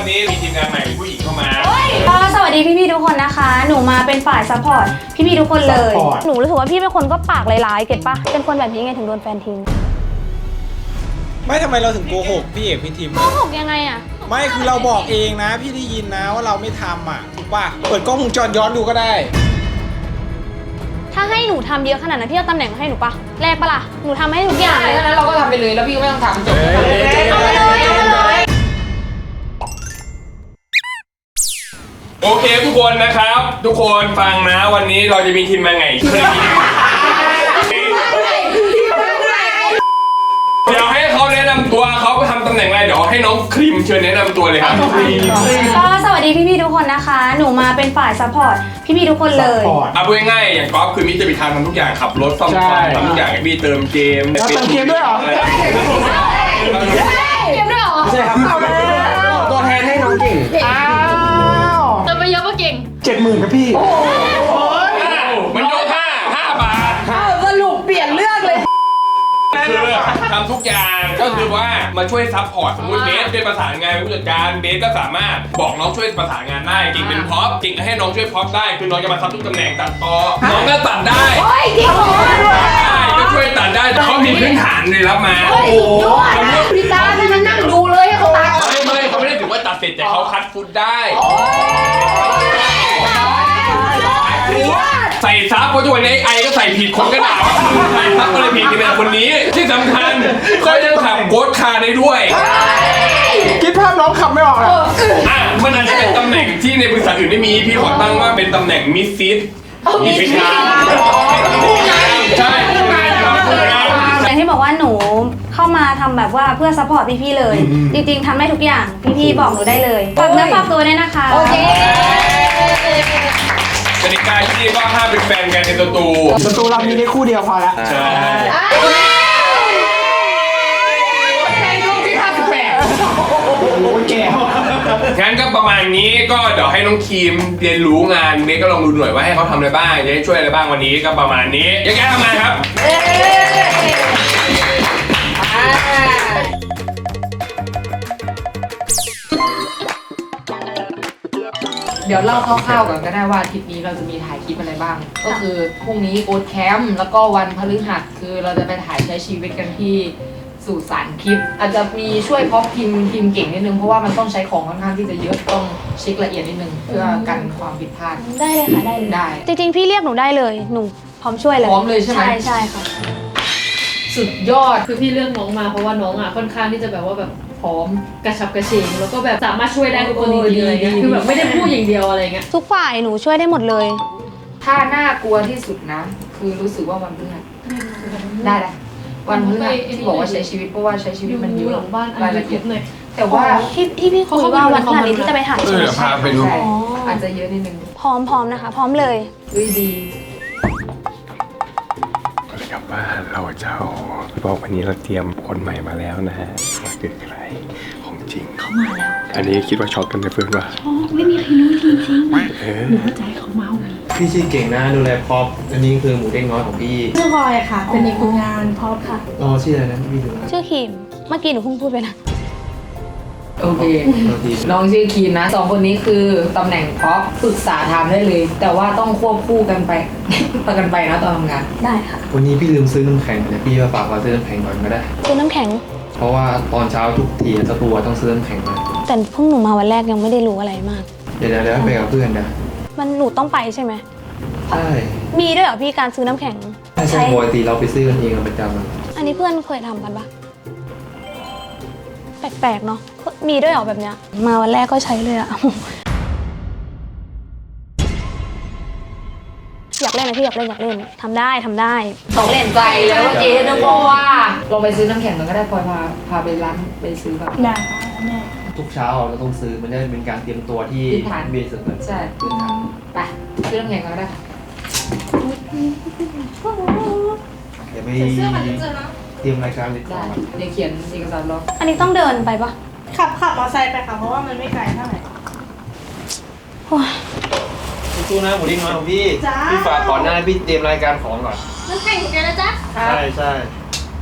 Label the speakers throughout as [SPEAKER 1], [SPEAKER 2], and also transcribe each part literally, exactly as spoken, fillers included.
[SPEAKER 1] วันนี้มีทีมงานใหม่ผู้หญิงเข้ามา
[SPEAKER 2] ก็สวัสดีพี่ๆทุกคนนะคะหนูมาเป็นฝ่ายซัพพอร์ตพี่ๆทุกคนเลยหนูรู้สึกว่าพี่เป็นคนก็ปากร้ายๆเก็ตปะเป็นคนแบบนี้ไงถึงโดนแฟนทิ้ง
[SPEAKER 3] ไม่ทำไมเราถึงโกหกพี่เอกพี่ทีม
[SPEAKER 2] โกหกยังไงอะ
[SPEAKER 3] ไม่คือเราบอกเองนะพี่ได้ยินนะว่าเราไม่ทำอ่ะถูกป่ะเปิดกล้องวงจรย้อนดูก็ได้
[SPEAKER 2] ถ้าให้หนูทำเยอะขนาดนั้นพี่เอาตำแหน่งมาให้หนูปะแลกปะล่ะหนูทำให้ทุกอย่างเลย
[SPEAKER 4] ดังนั้นเราก็ทำไปเลยแล้วพี่ก็ไม่ต้องทำจบ
[SPEAKER 2] เอาไปเลยเอาไปเลย
[SPEAKER 1] โอเคทุกคนนะครับทุกคนฟังนะวันนี้เราจะมีทีมมาไงเดี๋ยวให้เขาแนะนำตัวเขาทำตำแหน่งอะไรเดี๋ยวให้น้องครีมเชิญแนะนำตัวเลยครับ
[SPEAKER 2] ก็สวัสดีพี่ๆทุกคนนะคะหนูมาเป็นฝ่ายซัพพอร์ตพี่ๆทุกคนเลย
[SPEAKER 1] เอาพูดง่ายๆอย่างก๊อฟคือมิจะไปทำทำทุกอย่างขับรถซ่อมทำทุกอย่างพี่เติมเกม
[SPEAKER 3] เติมเกมด้วยเหรอ
[SPEAKER 2] เกมด้วยเหรอ
[SPEAKER 3] ใช่ครับเอาแล้วตัวแทนให้น้องเก่งอ้าว
[SPEAKER 2] เติมไปเยอะก็เก่ง
[SPEAKER 3] เจ็ดหมื่นครับพี่โอ้
[SPEAKER 1] ยมันยกห้าห้าบาท
[SPEAKER 4] สรุปเปลี่ยนเรื่องเลย
[SPEAKER 1] คือทำทุกอย่างก็คือว่ามาช่วยซัพพอร์ตสมมติเบสเป็นประสานงานผู้จัดการเบสก็สามารถบอกน้องช่วยประสานงานได้เก่งเป็นพ็อปเก่งก็ให้น้องช่วยพ็อปได้คือน้องจะมาซับทุกตำแหน่งตัดต่อน้องก็ตัดได้
[SPEAKER 4] โอ้ยจริงเหรอ
[SPEAKER 1] ได้ก็ช่วยตัดได้เขามีพื้นฐานเลยรับมา
[SPEAKER 4] โอ้โหพี่ตาให้มันนั่งดูเลยให้เขาตัด
[SPEAKER 1] ไม่ไม่เขาไม่ได้ถือว่าตัดเสร็จแต่เขาคัดฟุตได้ใส่ซับเพราะทุกวันนี้ไอก็ใส่ผิดคนก็ด่าว่าใส่ซับก็เลยผิดกันเป็นคนนี้ที่สำคัญเขายังขับโค้ดคาร์ได้ด้วย
[SPEAKER 3] คิดภาพน้องขับไม่ออกอ่ะ
[SPEAKER 1] อ่ะมันอาจจะเป็นตำแหน่งที่ในบริษัทอื่นไม่มีพี่ขอตั้งว่าเป็นตำแหน่งมิสซิสมีพิการใช่
[SPEAKER 2] อย่างที่บอกว่าหนูเข้ามาทำแบบว่าเพื่อซัพพอร์ตพี่ๆเลยจริงๆทำได้ทุกอย่างพี่ๆบอกหนูได้เลยฝากเนื้อฝากตัวด้วยนะคะ
[SPEAKER 4] โอเค
[SPEAKER 1] กติกาที่นี่ว่าห้ามเป็นแฟนกันในสตู
[SPEAKER 3] สตูเรามีได้คู่เดียวพอแล้ว
[SPEAKER 1] ใช่งั้นก็ประมาณนี้ก็เดี๋ยวให้น้องครีมเรียนรู้งานเมย์ก็ลองดูหน่อยว่าให้เขาทำอะไรบ้างจะได้ช่วยอะไรบ้างวันนี้ก็ประมาณนี้ยังไงทำงานครับ
[SPEAKER 4] เดี๋ยวเล่าคร่าวๆก่อนก็ได้ว่าอาทิตย์นี้เราจะมีถ่ายคลิปอะไรบ้างก็คือพรุ่งนี้โอ๊ตแคมป์แล้วก็วันพฤหัสคือเราจะไปถ่ายใช้ชีวิตกันที่สู่สารคลิปอาจจะมีช่วยเพราะพิมพ์พิมพ์เก่งนิดนึงเพราะว่ามันต้องใช้ของค่อนข้างที่จะเยอะต้องเช็คละเอียดนิดนึงเพื่อกันความผิดพลาด
[SPEAKER 2] ได้เลยค่ะได้เลย
[SPEAKER 4] ได้
[SPEAKER 2] จริงๆพี่เรียกหนูได้เลยหนูพร้อมช่วยเลย
[SPEAKER 4] พร้อมเลยใช่ไหม
[SPEAKER 2] ใช่ใช่ค่ะ
[SPEAKER 4] สุดยอด
[SPEAKER 5] คือพี่เลือกน้องมาเพราะว่าน้องอ่ะค่อนข้างที่จะแบบว่าแบบพร้อมกระชับกระเฉงแล้วก็แบบสามารถช่วยได้ทุกคนจริงๆอะไรเงี้ยคือแบบไม่ได้พูดอย่างเดียวอะไรเงี้ย
[SPEAKER 2] ทุกฝ่ายหนูช่วยได้หมดเลย
[SPEAKER 4] ถ้าน่ากลัวที่สุดนะคือรู้สึกว่าวันพฤหัสได้แหละวันพฤหัสที่บอกว่าใช้ชีวิตเพราะว่าใช้ชีวิตมันเยอะรายละเอียดเลยแต่ว่า
[SPEAKER 2] ที่ที่พี่คุยว่าวันพฤหัสนี้ที่จะไปถ่าย
[SPEAKER 1] เออพาไปดู
[SPEAKER 4] อาจจะเยอะนิดนึง
[SPEAKER 2] พร้อมพร้อมนะคะพร้อมเลย
[SPEAKER 4] อุ้ยดี
[SPEAKER 1] กลับบ้านเราเจ้าบอกวันนี้เราเตรียมคนใหม่มาแล้วนะฮะว่าคือใครของจริง
[SPEAKER 5] เขามาแล้ว
[SPEAKER 1] อันนี้คิดว่าช็อกกันในเพื่อนว่า
[SPEAKER 5] ช็อกไม่มีใครรู้จริงจริงหนูเข้าใจเขาเมา
[SPEAKER 6] พี่ชื่อเก่งนะดูแลพร็อพอันนี้คือหมูเด้งน้อยของพี่
[SPEAKER 5] ชื่อพลอยค่ะเป็นเด็กฝึกงานพร็อพค่ะ
[SPEAKER 6] อ๋อชื่ออะไรนะพี่ดู
[SPEAKER 2] ชื่อคิมเมื่อกี้หนูเพิ่งพูดไปนะ
[SPEAKER 4] โอเคน้องชื่อคีนนะสองคนนี้คือตำแหน่งพร็อพปรึกษาทำได้เลยแต่ว่าต้องควบคู่กันไปประกันไปนะตอนทำงาน
[SPEAKER 2] ได้ค่ะ
[SPEAKER 6] วันนี้พี่ลืมซื้อน้ำแข็งเลยพี่มาฝากมาซื้อน้ำแข็งก่อนก็ได้
[SPEAKER 2] ซื้อน้ำแข็ง
[SPEAKER 6] เพราะว่าตอนเช้าทุกทีสตูต้องซื้อน้ำแข็งมา
[SPEAKER 2] แต่เพิ่งหนูมาวันแรกยังไม่ได้รู้อะไรมาก
[SPEAKER 6] เดี๋ยวเดี๋ยวไปกับเพื่อนนะ
[SPEAKER 2] มันหนูต้องไปใช่ไหม
[SPEAKER 6] ใช่
[SPEAKER 2] มีด้วยเหรอพี่การซื้อน้ำแข็ง
[SPEAKER 6] ใช่ปกติเราไปซื้อกันเองประจ
[SPEAKER 2] ำอันนี้เพื่อนเคยทำกันปะแปลกๆเนาะมีด้วยเหรอแบบเนี้ยมาวันแรกก็ใช้เลยอะอยากเล่นนะพี่อยากเล่นอยากเล่นทำได้ทำได้
[SPEAKER 4] ต้องเล่นใจแล้วเมื่อกี้นึกว่าลองไปซื้อน้ำแข็งกันก็ได้พลอยพาพาไปร้านไปซื้อแบบ
[SPEAKER 5] ได้แม่
[SPEAKER 6] ทุกเช้าเราต้องซื้อมันจะเป็นการเตรียมตัวที่เบสิกเลย
[SPEAKER 4] ใช่ไปซื้อน้ำแข็งกันก็ได้
[SPEAKER 6] เดี๋ยวไปเตรียมรายการเลยก่อน
[SPEAKER 4] เดี๋ยวเขียนเอกสารรอ
[SPEAKER 2] อันนี้ต้องเดินไปปะ
[SPEAKER 5] ขับขับมอเตอร์ไซค์ไปค่ะเพราะว่ามันไม่ไกลเท่าไหร่
[SPEAKER 6] สู้ๆนะหมูดิ้งน้อยของพี่พี่ฝากก่อนหน้าพี่เตรียมรายการของก่อน
[SPEAKER 5] น้ำแข็งถูกใจนะจ๊ะ
[SPEAKER 6] ใช่ใช่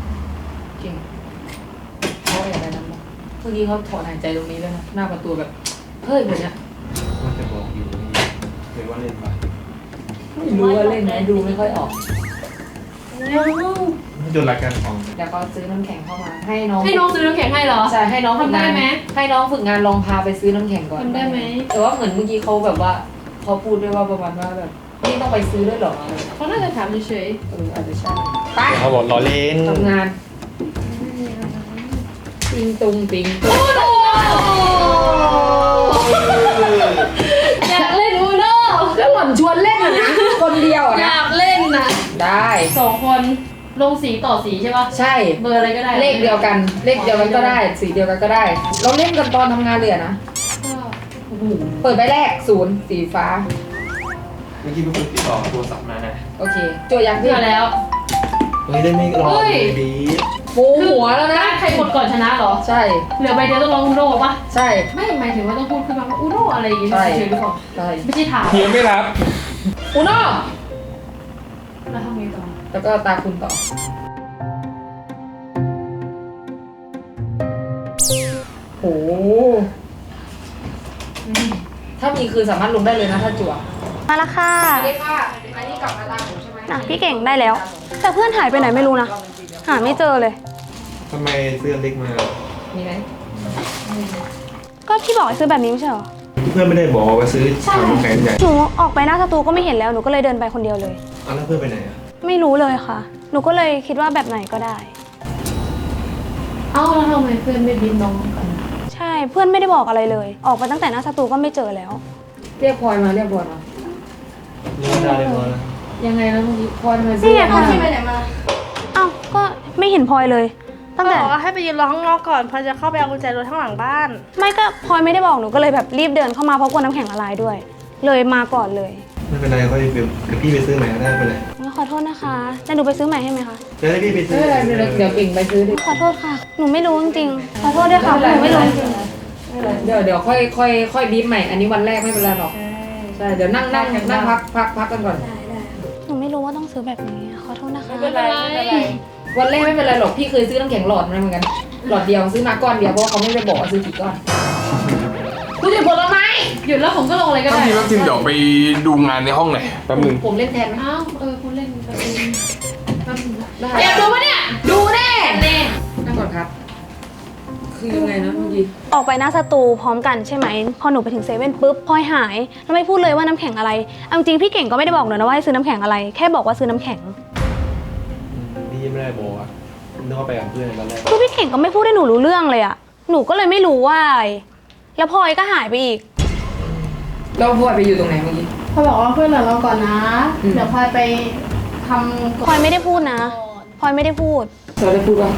[SPEAKER 4] เก่งเขาอะไรนะเมื่อกี้เขาถอนหายใจตรงนี้ด้วยนะหน้าประตูแบบเฮ้ยแบบเนี้ย
[SPEAKER 6] ว่าจะบอกอยู่นี่เคยว่าเล่นปะ
[SPEAKER 4] ไม่รู้ว่าเล่นไหมดูไม่ค่อยออก
[SPEAKER 6] จนรายการของ
[SPEAKER 4] เดี๋ยวเขาซื้อน้ำแข็งเข้ามาให้น้อง
[SPEAKER 5] ให้น้องซื้อน้ำแข็งให้เหรอ
[SPEAKER 4] ใช่ให้น้องฝึกงาน
[SPEAKER 5] ทำได้ไหม
[SPEAKER 4] ให้น้องฝึกงานลองพาไปซื้อน้ำแข็งก่อน
[SPEAKER 5] ทำได้ไหม
[SPEAKER 4] แต่ว่าเหมือนเมื่อกี้เขาแบบว่าเขาพูดด้วยว่าประมาณว่าแบบนี่ต้องไปซื้อด้วยเหรออะไร
[SPEAKER 5] เขาน่าจะถามเฉย
[SPEAKER 4] เอออาจจะใช่ไป
[SPEAKER 6] เขาบอกล้อเล่น
[SPEAKER 4] ทำงานติงตุงติงตุง
[SPEAKER 5] ๆอยากเล่นอูโน่
[SPEAKER 4] แล้วหล่อนชวนเล่นอะนะคนเดียวอะ
[SPEAKER 5] อ
[SPEAKER 4] นะ
[SPEAKER 5] ยากเล่นนะ
[SPEAKER 4] ได้
[SPEAKER 5] สองคนลงสีต่อสีใช่ปะ
[SPEAKER 4] ใช่
[SPEAKER 5] เบอร์อะไรก็ได้
[SPEAKER 4] เลขเดียวกัน เลขเดียวกันก็ได้ สีเดียวกันก็ได้ เราเล่นกันตอนทำงานเลยอะนะ
[SPEAKER 5] ก็
[SPEAKER 4] เปิดใบแรกศูนย์สีฟ้า
[SPEAKER 6] เมื่อกี้เป็นคนติดต่อโทรศัพท์มานะ
[SPEAKER 4] โอเคโจทย์ยัง
[SPEAKER 5] เพื่อแล้ว
[SPEAKER 6] เฮ้ยได้ไม่รอ
[SPEAKER 5] เฮ้
[SPEAKER 6] เลย ยบี
[SPEAKER 4] ปูหัวแล้วนะ
[SPEAKER 5] ใครกดก่อนชนะเหรอ
[SPEAKER 4] ใช่
[SPEAKER 5] เหลือใบเดียวต้องลองอูโน่ปะ
[SPEAKER 4] ใช่
[SPEAKER 5] ไม่หมายถึงว่าต้องพูดขึ้นมาว่าอูโน่อะไรอย่างงี้
[SPEAKER 4] ใช่
[SPEAKER 5] เฉยๆหรือเปล่า
[SPEAKER 4] ใช่
[SPEAKER 5] ไม่ใช่ถาม
[SPEAKER 1] เฮียไม่รับ
[SPEAKER 4] อุโน่
[SPEAKER 5] แล้วทำไงต่อ
[SPEAKER 4] แล้วก็ตาคุณต่อโหถ้ามีคือสามารถลงได้เลยนะถ้าจั่ว
[SPEAKER 2] มาละค่ะ
[SPEAKER 4] อันนี้ค่ะอันนี้กลับมาตามผมใช่ไหม
[SPEAKER 2] อ่ะพี่เก่งได้แล้ว แต่เพื่อนหายไปไหนไม่รู้นะ หาไม่เจอเลย
[SPEAKER 6] ทำไมเสื้อเล็กมา
[SPEAKER 4] มีไหม
[SPEAKER 2] ก็พี่บอกให้ซื้อแบบนี้ไม่ใช่เหรอ
[SPEAKER 6] เพื่อนไม่ได้บอกว่าซื้อทำน้ำแข็งใหญ่
[SPEAKER 2] หนูออกไปหน้าสตูก็ไม่เห็นแล้ว หนูก็เลยเดินไปคนเดียวเลย
[SPEAKER 6] เอาแล้วเพื่อนไปไหนอ่ะ
[SPEAKER 2] ไม่รู้เลยค่ะ หนูก็เลยคิดว่าแบบไหนก็ได้
[SPEAKER 5] เอ้าแล้วทำไมเพื่อนไม่บินน้องกัน
[SPEAKER 2] ใช่ เพื่อนไม่ได้บอกอะไรเลย ออกไปตั้งแต่หน้าสตูก็ไม่เจอแล้ว
[SPEAKER 4] เรียกพลอยมาเรียกพลอยมา
[SPEAKER 6] เรื่องได้เลยพอแล้ว
[SPEAKER 4] ยังไงนะเมื่อกี้พลอยมา
[SPEAKER 2] นี่ไงพลอย
[SPEAKER 4] ซื้
[SPEAKER 2] ไปไหนมา เอ้าก็ไม่เห็นพลอยเลย ตั้งแต่
[SPEAKER 7] บอกว่าให้ไปยืนรอข้างนอกก่อนพอจะเข้าไปเอากุญแจรถข้างหลังบ้าน
[SPEAKER 2] ไม่ก็พลอยไม่ได้บอกหนูก็เลยแบบรีบเดินเข้ามาเพราะกลัวน้ำแข็งละลายด้วย เลยมาก่อนเลย
[SPEAKER 6] ไม่เป็นไรค่อยไปเดี๋ยวพี่ไปซื้อใหม่ก็ได้ไปเลย
[SPEAKER 2] ขอโทษนะคะจะหนูไปซื้อใหม่ให้ไหมคะ
[SPEAKER 6] เดี๋ยวให้พี่ไปซื้
[SPEAKER 4] ไม่
[SPEAKER 6] อ
[SPEAKER 4] เป็นไรไม่เป็นไรเดี๋ยวเก่งไปซื้อดิ
[SPEAKER 2] ขอโทษค่ะ หนูไม่รู้จริงๆ ขอโทษด้วยค่ะ หนูไม่รู้จริง
[SPEAKER 4] ไม่เป็นไรเดี๋ยวเดี๋ยวค่อยค่อยค่อยบีบใหม่ อันนี้วันแรกไม่เป็นไรหรอกใช่เดี๋ยวนั่งนั่งนั่งพักพักพักกันก่อน
[SPEAKER 2] ได้ได้หนูไม่รู้ว่าต้องซื้อแบบนี้ ขอโทษนะคะ
[SPEAKER 4] ไม่เป็นไรไม่เป็นไรวันแรกไม่เป็นไรหรอกพี่เคยซื้อน้ำแข็งหลอดมาเหมือนกันหลอดเดียวซื้อมาก้อนเดียวเพราะว่าเขาไม่ได้บอกว่าซื้อกี่ก้อนคุณจะผลไม้
[SPEAKER 5] หยุดแล้วผมก็ลงอะไรก็
[SPEAKER 1] ต้อง
[SPEAKER 5] ได้
[SPEAKER 1] ทีต้องทีมเดี๋ยวไปดูงานในห้องหน่อยแป๊บนึง
[SPEAKER 4] ผมเล่นแทนไหม
[SPEAKER 5] อ้าวเออคุณเล่นกันเองแป๊บนึงนะ
[SPEAKER 4] ได้
[SPEAKER 5] อยากดูปะเนี่ย
[SPEAKER 4] ดูแน่
[SPEAKER 5] แน่
[SPEAKER 4] นั่งก่อนครับ คือยังไงนะเมื่อกี้
[SPEAKER 2] ออกไปหน้าสตูพร้อมกันใช่ไหม พอหนูไปถึงเซเว่นปุ๊บพลอยหาย แล้วไม่พูดเลยว่าน้ำแข็งอะไรเอาจริงๆพี่เก่งก็ไม่ได้บอกหนูนะว่าให้ซื้อน้ำแข็งอะไร แค่บอกว่าซื้อน้ำแข็ง
[SPEAKER 6] พี่ไม่ได้บอกอ่ะนึกว่าไปกับเพื่อนตอนแรก
[SPEAKER 2] คือพี่เก่งก็ไม่พูดให้หนูรู้เรื่องเลยอะหนูก็เลยไม่รู้ว่าอะไรแล้วพลอยก็หายไปอีก
[SPEAKER 4] เราพลอยไปอยู่ตรงไหนเมื่อกี้
[SPEAKER 7] เขาบอกว่าเพื่อนเหลือเราก่อนนะ
[SPEAKER 4] อืม
[SPEAKER 7] เดี๋ยวพลอยไปทำ
[SPEAKER 2] พลอยไม่ได้พูดนะพลอยไม่ได้พูด
[SPEAKER 4] เราได้พูดว่า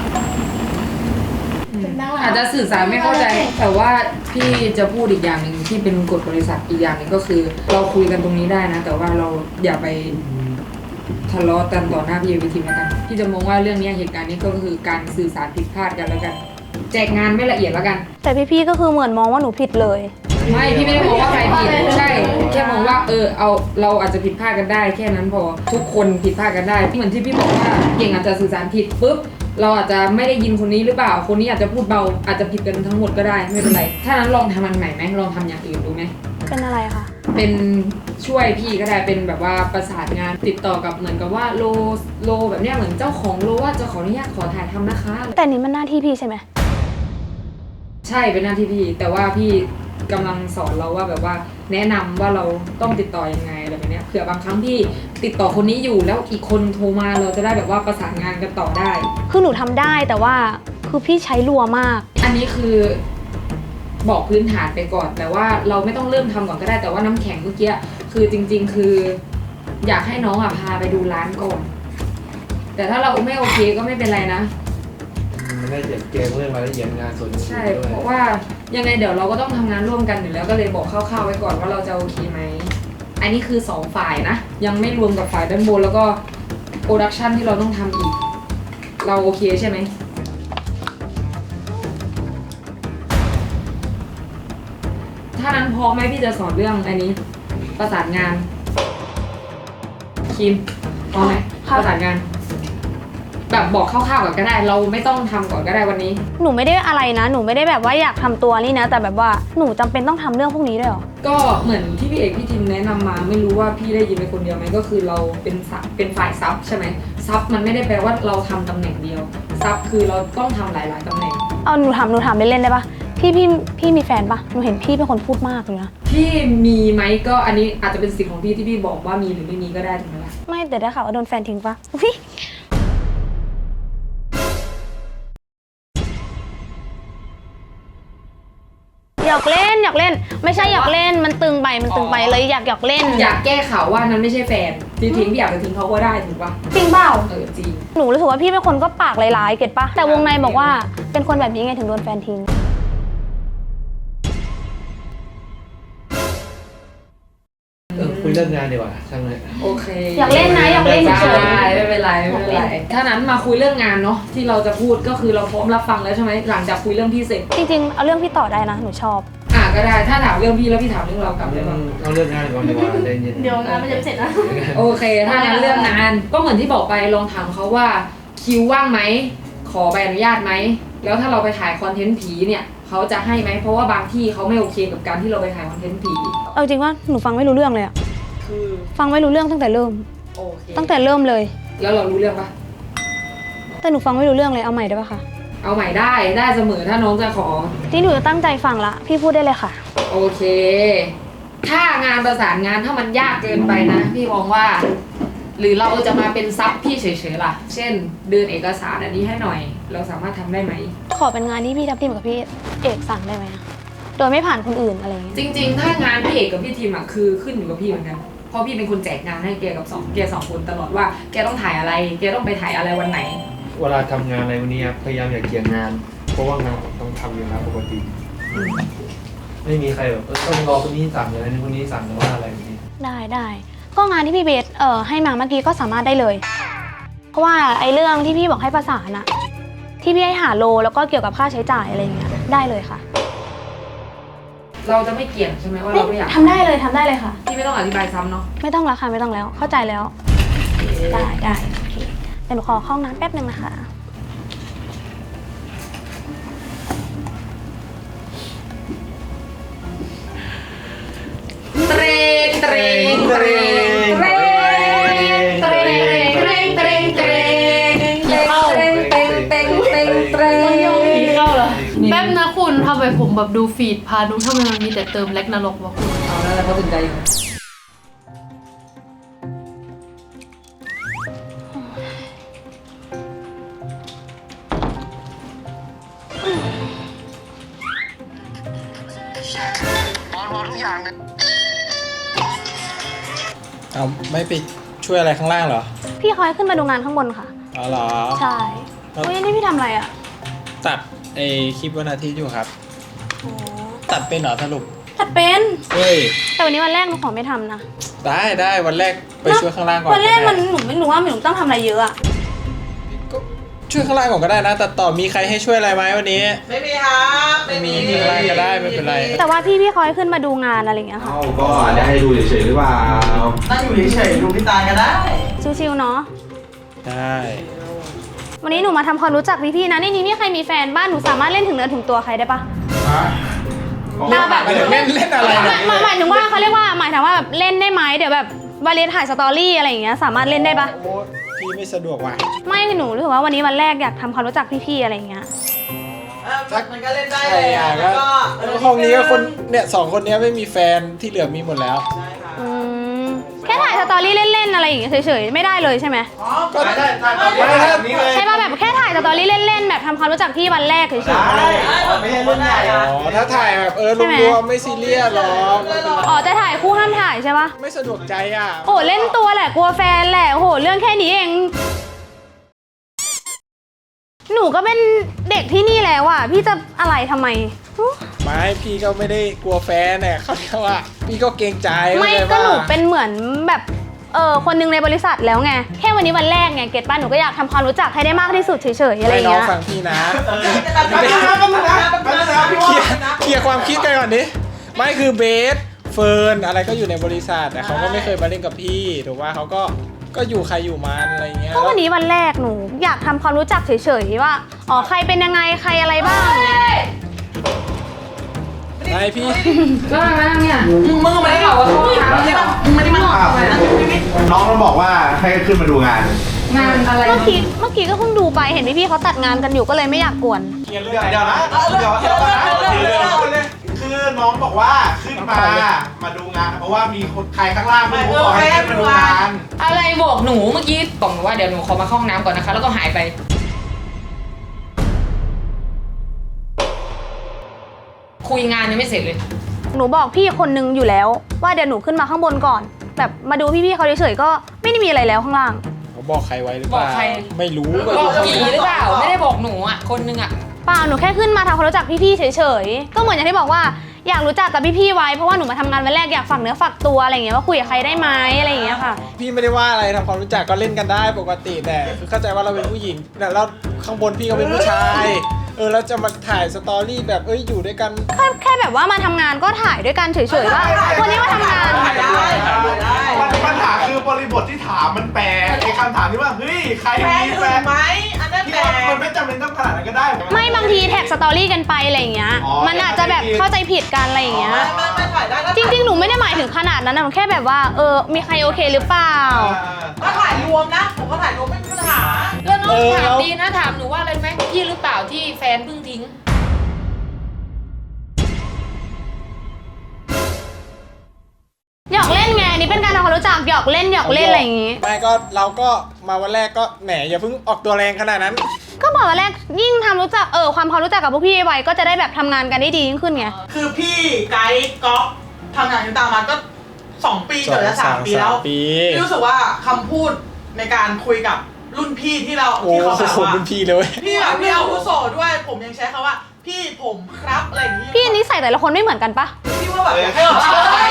[SPEAKER 7] นั่งหลัง
[SPEAKER 4] อาจจะสื่อสารไม่เข้าใจ แต่ว่าพี่จะพูดอีกอย่างหนึ่งที่เป็นกฎบริษัทอีกอย่างหนึ่งก็คือ เราคุยกันตรงนี้ได้นะ แต่ว่าเราอย่าไปทะเลาะกันต่อหน้าพี่วิทีมแล้วกันพี่จะมองว่าเรื่องนี้เหตุการณ์นี้ก็คือการสื่อสารผิดพลาดกันแล้วกัน แจกงานไม่ละเอียดแล้วกัน
[SPEAKER 2] แต่พี่ๆก็คือเหมือนมองว่าหนูผิดเลย
[SPEAKER 4] ไม่พี่ไม่ได้มองว่าใครผิดใช่แค่มองว่าเออเอาเราอาจจะผิดพลาดกันได้ แค่นั้นพอทุกคนผิดพลาดกันได้เหมือนที่พี่บอกว่าเก่งอาจจะสื่อสารผิดปุ๊บเราอาจจะไม่ได้ยินคนนี้หรือเปล่าคนนี้อาจจะพูดเบาอาจจะผิดกันทั้งหมดก็ได้ไม่เป็นไรถ้านั้นลองทำมันใหม่ไหมลองทำอย่างอื่นดูไหม
[SPEAKER 2] เป็นอะไรคะ
[SPEAKER 4] เป็นช่วยพี่ก็ได้เป็นแบบว่าประสานงานติดต่อกับเหมือนกับว่าโลโลแบบเนี้ยเหมือนเจ้าของโลว่าจะขออนุญาตขอถ่ายทำนะคะ
[SPEAKER 2] แต่นี่มันหน้าที่พี่ใช่ไหม
[SPEAKER 4] ใช่เป็นหน้าที่พี่แต่ว่าพี่กำลังสอนเราว่าแบบว่าแนะนำว่าเราต้องติดต่อยังไงอะไรแบบเนี้ยเผื่อบางครั้งพี่ติดต่อคนนี้อยู่แล้วอีกคนโทรมาเราจะได้แบบว่าประสานงานกันต่อได้
[SPEAKER 2] คือหนูทำได้แต่ว่าคือพี่ใช้รัวมาก
[SPEAKER 4] อันนี้คือบอกพื้นฐานไปก่อน แต่ว่าเราไม่ต้องเริ่มทำก่อนก็ได้แต่ว่าน้ำแข็งเมื่อกี้คือจริง ๆ คือ อยากให้น้องอ่ะพาไปดูร้านก่อนแต่ถ้าเราไม่โอเคก็ไม่เป็นไรนะ
[SPEAKER 6] มันได้เจ็บเกมเรื่องรายละเอียดงานส่วนอื่น
[SPEAKER 4] ใช่
[SPEAKER 6] ด้วย
[SPEAKER 4] เพราะว่ายังไงเดี๋ยวเราก็ต้องทำงานร่วมกันอยู่แล้วก็เลยบอกคร่าวๆไว้ก่อนว่าเราจะโอเคไหมอันนี้คือสองฝ่ายนะยังไม่รวมกับฝ่ายด้านบนแล้วก็โปรดักชันที่เราต้องทำอีก เราโอเคใช่ไหมถ้านั้นพอไหมพี่จะสอนเรื่องอันนี้ ประสานงานคิมพอไหม
[SPEAKER 2] ค่ะ
[SPEAKER 4] ประสานงานแบบบอกคร่าวๆก่อนก็ได้ เราไม่ต้องทำก่อนก็ได้วันนี้
[SPEAKER 2] หนูไม่ได้อะไรนะ หนูไม่ได้แบบว่าอยากทำตัวนี่นะ แต่แบบว่าหนูจำเป็นต้องทำเรื่องพวกนี้ด้วยเหรอ
[SPEAKER 4] ก็เหมือนที่พี่เอกพี่ทิมแนะนำมาไม่รู้ว่าพี่ได้ยินเป็นคนเดียวไหมก็คือเราเป็นซับเป็นฝ่ายซับใช่ไหมซับมันไม่ได้แปลว่าเราทำตำแหน่งเดียวซับคือเราต้องทำหลายๆตำแหน่ง
[SPEAKER 2] เอาหนูถามหนูถามเล่นๆได้ปะพี่พี่พี่มีแฟนปะหนูเห็นพี่เป็นคนพูดมากเลยนะ
[SPEAKER 4] พี่มีไหมก็อันนี้อาจจะเป็นสิทธิ์ของพี่ที่พี่บอกว่ามีหรือไม่มีก็ได้ถูกไหมล่ะ
[SPEAKER 2] ไม่แต่ได้ข่าวว่าโดนแฟนทิ้งปะอุ๊ยหยอกเล่นหยอกเล่น ไม่ใช่หยอกเล่นมันตึงไปมันตึงไปเลยอยากหยอกเล่น
[SPEAKER 4] อยากแก้ข่าวว่านั้นไม่ใช่แฟนที่ทิ้งพี่อยากจะทิ้งเขาก็ได้ถูกปะ
[SPEAKER 2] จริงเปล่า
[SPEAKER 4] เออจริง
[SPEAKER 2] หนูรู้สึกว่าพี่เป็นคนก็ปากร้ายๆเก็ตปะแต่วงในบอกว่าเป็นคนแบบนี้ไงถึงโดนแฟนทิ้ง
[SPEAKER 6] เออคุยเรื่องงานดีกว่าช่างเลย
[SPEAKER 4] โอเค
[SPEAKER 2] อยากเล่นนะอยากเล่นเฉยๆ
[SPEAKER 4] ไม่เป็นไรไม่เป็นไรถ้านั้นมาคุยเรื่องงานเนาะที่เราจะพูดก็คือเราพร้อมรับฟังแล้วใช่ไหมหลังจากคุยเรื่องพี่เสร็จ
[SPEAKER 2] จริงๆเอาเรื่องพี่ต่อได้นะหนูชอบ
[SPEAKER 4] อ่ะก็ได้ถ้าถามเรื่องพี่แล้วพี่ถามเรื่องเรากลับได้ปะ
[SPEAKER 6] เอาเรื่องงานก่อนดีกว่าใจเย็น
[SPEAKER 7] เดี๋ยวงานมันจะไม่เสร็จนะ
[SPEAKER 4] โอเคถ้างั้นเรื่องงานก็เหมือนที่บอกไปลองถามเขาว่าคิวว่างไหมขอใบอนุญาตไหมแล้วถ้าเราไปถ่ายคอนเทนต์ผีเนี่ยเขาจะให้ไหมเพราะว่าบางที่เขาไม่โอเคกับการที่เราไปถ่ายคอนเทนต์ผี
[SPEAKER 2] เอาจริงว่าหนูฟังไม่รู้เรื่องเลยอะ
[SPEAKER 4] คือ
[SPEAKER 2] ฟังไม่รู้เรื่องตั้งแต่เริ่ม
[SPEAKER 4] โอเค
[SPEAKER 2] ตั้งแต่เริ่มเลย
[SPEAKER 4] แล้วเรารู้เรื่องปะ
[SPEAKER 2] แต่หนูฟังไม่รู้เรื่องเลยเอาใหม่ได้ปะคะ
[SPEAKER 4] เอาใหม่ได้ได้เสมอถ้าน้องจะขอ
[SPEAKER 2] ที่หนูจะตั้งใจฟังละพี่พูดได้เลยค่ะ
[SPEAKER 4] โอเค ถ้างานประสานงานถ้ามันยากเกินไปนะ พี่มองว่า หรือเราจะมาเป็นซับพี่เฉยๆล่ะ เช่นเดินเอกสารอันนี้ให้หน่อย เราสามารถทำได้ไหม
[SPEAKER 2] ขอเป็นงานที่พี่ทับทิมกับพี่เอกสั่งได้ไหมอะโดยไม่ผ่านคนอื่นอะไรอย่างเงี้ย
[SPEAKER 4] จริงๆ ถ้างานพี่เอกกับพี่ทีมอ่ะคือขึ้นอยู่กับพี่เหมือนกัน เพราะพี่เป็นคนแจกงานให้แกกับสองแกสองคนตลอดว่าแกต้องถ่ายอะไร แกต้องไปถ่ายอะไรวันไหน
[SPEAKER 6] เวลาทำงานอะไรวันนี้ครับพยายามอย่าเกี่ยงงาน เพราะว่างานผมต้องทำอยู่แล้วปกติ ไม่มีใครแบบเออต้องรอคนนี้สั่งอะไรคนนี้สั่งหรือว่าอะไรแบบนี้
[SPEAKER 2] ได้ได้ก็งานที่พี่เบสเอ่อให้มาเมื่อกี้ก็สามารถได้เลย เพราะว่าไอ้เรื่องที่พี่บอกให้ประสานอะที่พี่ให้หาโลแล้วก็เกี่ยวกับค่าใช้จ่ายอะไรอย่างเงี้ยได้เลยค่ะ
[SPEAKER 4] เราจะไม่เกี่ยงใช่ไหมว่าเราไม่อยาก
[SPEAKER 2] ทำได้เลยทำได้เลยค่ะ
[SPEAKER 4] พี่ไม่ต้องอธิบายซ้ำเนาะ
[SPEAKER 2] ไม่ต้องแล้วค่ะไม่ต้องแล้วเข้าใจแล้ว ได้ได้โอเคเดี๋ยวหนูขอเข้าห้องน้ำแป๊บนึงนะคะ
[SPEAKER 4] เตรงเตรงเตรงเตรงเตรงเตรงเตรงเตรงเตรงเตรงเตรงเตรงเตรงเตรง
[SPEAKER 5] เข้าเหรอแป๊บนะคุณทำไมผมแบบดูฟีดพาดูทำไมมันมีแต่เติมแล็กนรกวะคุณ
[SPEAKER 4] เอาแล้วเขาถึงใจอยู่
[SPEAKER 3] เอาไม่ไปช่วยอะไรข้างล่างเหรอ
[SPEAKER 2] พี่เขาให้ขึ้นมาดูงานข้างบนค่ะ
[SPEAKER 3] อ๋อเหรอ
[SPEAKER 2] ใช่เฮ้ยนี่พี่ทำอะไรอะ
[SPEAKER 3] ตัดไอคลิปวันอาทิตย์อยู่ครับ ตัดเป็นเหรอสรุป
[SPEAKER 2] ตัดเป็น
[SPEAKER 3] เฮ้ย
[SPEAKER 2] แต่วันนี้วันแรกหนูขอไม่ทำนะ
[SPEAKER 3] ได้ได้วันแรกไปช่วยข้างล่างก่อน
[SPEAKER 2] วันแรก
[SPEAKER 3] ได้
[SPEAKER 2] มันหนูไม่รู้ว่าหนูต้องทำอะไรเยอะอะ
[SPEAKER 3] ก็ช่วยข้างล่างก่อนก็ได้นะแต่ต่อมีใครให้ช่วยอะไรไหมวันนี้ ไม่มีครับไม่มีข้างล่างก็ได้ไม่เป็นไร
[SPEAKER 2] แต่ว่าพี่พี่เขาให้ขึ้นมาดูงานอะไรอย่างเงี้ยค่ะ
[SPEAKER 8] เอาก็ได้ให้ดูเฉยๆหรือเปล่า
[SPEAKER 9] นั่งอยู่เฉยๆดูพี่ตาก็ได้
[SPEAKER 2] ชิวๆเนาะ
[SPEAKER 3] ได้
[SPEAKER 2] วันนี้หนูมาทำความรู้จักพี่ๆนะในนี้มีใครมีแฟนบ้านหนูสามารถเล่นถึงเนื้อถึงตัวใครได้ปะ เอาแบบ
[SPEAKER 3] เล่นเล่นอะไรนะ
[SPEAKER 2] หมายหมายถึงว่าเขาเรียกว่าหมายถึงว่าแบบเล่นได้ไหมเดี๋ยวแบบวาเลนถ่ายสตอรี่อะไรอย่างเงี้ยสามารถเล่นได้ปะ
[SPEAKER 3] โอ้พี่ไม่สะดวกว่ะ
[SPEAKER 2] ไม่หนูรู้สึกว่าวันนี้วันแรกอยากทำความรู้จักพี่ๆอะไรอย่างเงี้ย
[SPEAKER 9] มันก็เล่นได้
[SPEAKER 3] ใช่
[SPEAKER 9] เลย
[SPEAKER 3] อ่ะ
[SPEAKER 9] แล้ว
[SPEAKER 3] ก็
[SPEAKER 9] ก็
[SPEAKER 3] ห้องนี้ก็คนเนี่ยสองคนเนี้ยไม่มีแฟนที่เหลือมีหมดแล้ว
[SPEAKER 9] ใช่ค่ะ
[SPEAKER 2] อืมแค่ถ่ายสตอรี่เล่นๆอะไรอย่างเงี้ยเฉยๆไม่ได้เลยใช่ไหม
[SPEAKER 9] อ๋อก็ได้ถ่ายตอน
[SPEAKER 3] ไม่ได้
[SPEAKER 9] แบบนี้เลย
[SPEAKER 2] ใช่ป่ะแบบแค่ถ่ายสตอรี่เล่นๆแบบทำความรู้จักพี่วันแรกเฉยๆ
[SPEAKER 9] ได้ไม่ใช่เรื่องใหญ่
[SPEAKER 3] อ๋
[SPEAKER 9] อะ
[SPEAKER 3] อถ้าถ่ายแบบเออรวมๆไม่ซีเรียสหรอก
[SPEAKER 2] อ๋อจะถ่ายคู่ห้ามถ่ายใช่ป่ะ
[SPEAKER 3] ไม่สะดวกใจอ่ะ
[SPEAKER 2] โอ้เล่นตัวแหละกลัวแฟนแหละโอ้โหเรื่องแค่นี้เอง หนูก็เป็นเด็กที่นี่แล้วอ่ะพี่จะอะไรทำไมอุ๊ย
[SPEAKER 3] ไม่พี่ก็ไม่ได้กลัวแฟนเนี่ยเขาเรียกว่าพี่ก็เกรงใจ
[SPEAKER 2] ไม่
[SPEAKER 3] เข้าใจ
[SPEAKER 2] ก็หนู
[SPEAKER 3] ปะ
[SPEAKER 2] เป็นเหมือนแบบเออคนหนึงในบริษัทแล้วไงแค่วันนี้วันแรกไงเก็ตป้าหนูก็อยากทำความรู้จักให้ได้มากที่สุดเฉยๆอะไรอ
[SPEAKER 3] ให้
[SPEAKER 2] ย่าง
[SPEAKER 3] น้อง
[SPEAKER 2] เงี้ย
[SPEAKER 3] ฟังพี่นะ
[SPEAKER 9] แป๊บนึงนะแป๊บนึงนะแป๊บนึงนะพี่
[SPEAKER 3] เคลียร์
[SPEAKER 9] นะ
[SPEAKER 3] เคลียร์ความคิดกันก่อนดิไม่คือเบสเฟิร์นอะไรก็อยู่ในบริษัทแต่เขาก็ไม่เคยมาเล่นกับพี่ถูกว่าเขาก็ก็อยู่ใครอยู่มันอะไรเงี้ย
[SPEAKER 2] ก็วันนี้วันแรกหนูอยากทำความรู้จักเฉยๆว่าอ๋อใครเป็นยังไงใครอะไรบ้าง
[SPEAKER 3] ไอพี่
[SPEAKER 4] ก็มาแล้วเนี่ย
[SPEAKER 9] มึงไม่ได้บอกว่าเขาไม่ได้ไม่ได้มา
[SPEAKER 8] น้องมันบอกว่าให้ขึ้นมาดูงาน
[SPEAKER 4] งานอะไร
[SPEAKER 2] เมื่อกี้เมื่อกี้ก็เพิ่งดูไปเห็นพี่ๆเขาตัดงานกันอยู่ก็เลยไม่อยากกวน
[SPEAKER 8] เดี๋ยวเดี๋ยวนะเดี๋ยวเดี๋ยวนะคือน้องบอกว่าขึ้นมา มาดูงาน เพราะว่ามีคนใครข้างล่างไม่รู้บอกให้ขึ้นมาดูงาน
[SPEAKER 4] อะไรบอกหนูเมื่อกี้บอกหนูว่าเดี๋ยวหนูขอมาเข้าห้องน้ำก่อนนะคะ แล้วก็หายไปคุยงานยังไม่เสร็จเลย
[SPEAKER 2] หนูบอกพี่คนนึงอยู่แล้วว่าเดี๋ยวหนูขึ้นมาข้างบนก่อน แบบมาดูพี่ๆเขาเฉยๆก็ไม่ได้มีอะไรแล้วข้างล่าง
[SPEAKER 3] เขาบอกใครไว้หรือเป
[SPEAKER 4] บอ
[SPEAKER 3] ล่าก
[SPEAKER 4] ใคร
[SPEAKER 3] ไม่รู้
[SPEAKER 4] บอกผีหรือเปล่าไม่ได้บอกหนูอ่ะคนนึงอ่ะ
[SPEAKER 2] เปล่าหนูแค่ขึ้นมาทำความรู้จักพี่ๆเฉยๆก็เหมือนอย่างที่บอกว่าอยากรู้จักกับพี่ๆไว้เพราะว่าหนูมาทำงานวันแรกอยากฝากเนื้อฝากตัวอะไรอย่างเงี้ยว่าคุยกับใครได้ไหมอะไรอย่างเงี้ยค่ะ
[SPEAKER 3] พี่ไม่ได้ว่าอะไรทำความรู้จักก็เล่นกันได้ปกติแต่คือเข้าใจว่าเราเป็นผู้หญิงแต่เราข้างบนพี่เขาเป็นผู้ชายเออแล้วจะมาถ่ายสตอรี่แบบเอ้ยอยู่ด้วยกัน
[SPEAKER 2] แค่แค่แบบว่ามาทำงานก็ถ่ายด้วยกันเฉยๆว่าวันนี้มาทำงาน
[SPEAKER 9] ได้ได้
[SPEAKER 8] มันปัญหาคือบริบทที่ถามมันแปลกไอ้คำถามที่ว่าเฮ้ยใคร
[SPEAKER 9] แฟน
[SPEAKER 8] มี
[SPEAKER 9] ถึ
[SPEAKER 8] แฟ
[SPEAKER 9] ง
[SPEAKER 8] น
[SPEAKER 9] ไหมอันนั้น
[SPEAKER 8] ที่
[SPEAKER 9] แต่
[SPEAKER 8] ว่ามันไม่จำเป็นต้องขนาดนั้นก็ได้
[SPEAKER 2] ไม่บางทีแท็กสตอรี่กันไปอะไรอย่างเงี้ย
[SPEAKER 8] อ๋อ
[SPEAKER 2] มันอาจจะแบบเข้าใจผิดกันอะไรอย่างเงี้ย
[SPEAKER 9] ไม่ไม่ไม่ถ่ายได้
[SPEAKER 2] จริงๆ หนูไม่ได้หมายถึงขนาดนั้นนะหนูแค่แบบว่าเออมีใครโอเคหรือเปล่า
[SPEAKER 9] ถ้าถ่ายรวมนะผมก็ถ่ายรวมไม่มีปัญหา
[SPEAKER 4] แล้วน้อง
[SPEAKER 3] เออ
[SPEAKER 4] ถาม
[SPEAKER 3] แล้ว
[SPEAKER 4] ดีนะถามหนูว่าอะไรไหมพี่หรือเปล่าที่แฟนเพิ่งทิ้ง
[SPEAKER 2] หยอกเล่นไงอันนี่เป็นการทำความรู้จักหยอกเล่นหยอกเล่นอะไรอย่างงี้
[SPEAKER 3] ไม่ก็เราก็มาวันแรกก็แหมอย่าเพิ่งออกตัวแรงขนาดนั้น
[SPEAKER 2] ก็บอกวันแรกยิ่งทำรู้จักเออความความรู้จักกับพวกพี่ไวก็จะได้แบบทำงานกันได้ดียิ่งขึ้นไง
[SPEAKER 9] คือพี่ไกด์ก๊อฟทำงานอยู่ตามมาก็สองปีเกือบจะสามปีแล้ว
[SPEAKER 3] ปี
[SPEAKER 9] พี่รู้สึกว่าคำพูดในการคุยกับรุ่นพี่ที่เรา
[SPEAKER 3] โอ้
[SPEAKER 9] ที่เขาแบบ
[SPEAKER 3] โห
[SPEAKER 9] ว่า
[SPEAKER 3] เป็นพี่เลย
[SPEAKER 9] พี่แบบพี่อาวุโสด้วยผมยังใช้คำว่า พี่ผมครับอะไรอย่างนี้
[SPEAKER 2] พี่นิสัยแต่ละคนไม่เหมือนกันปะ
[SPEAKER 9] พี่ว่าแบบอยากให้แบบ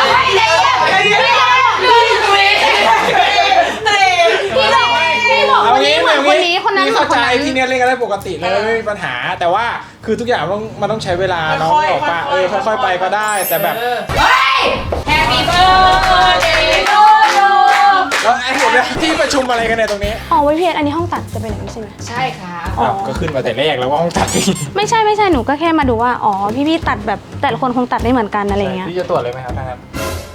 [SPEAKER 9] พี่บอก
[SPEAKER 2] พี่บอกคนนี้เหมือนคนนี้คนนั้นเหมื
[SPEAKER 3] เข้า
[SPEAKER 2] อนค
[SPEAKER 3] ใจ
[SPEAKER 2] นนั้น
[SPEAKER 3] พี่เนี่ยเล่นกันได้ปกติเลยไม่มีปัญหา แต่ว่าคือทุกอย่างมันต้องมันต้องใช้เวลาน้องบอกป่ะเออค่อยๆไปก็ได้ แต่แบบ
[SPEAKER 4] Happy birthday to you
[SPEAKER 3] แล้วไอ้เห็นไหมที่ประชุมอะไรกันเนี่ยตรงนี้
[SPEAKER 2] อ๋อไว้พี่อันนี้ห้องตัดจะเป็นอย่างนี้ใช่ไหม
[SPEAKER 4] ใช่ค่ะ
[SPEAKER 2] อ๋อ
[SPEAKER 3] อ้าวก็ขึ้นมาแต่แรกแล้วว่าห้องตัดเอง
[SPEAKER 2] ไม่ใช่ไม่ใช่หนูก็แค่มาดูว่าอ๋อพี่ๆตัดแบบแต่ละคนคงตัดไม่เหมือนกันอะไรอย่างเงี้ย
[SPEAKER 3] พี่จะตรวจเลยไหมครับท่านครับ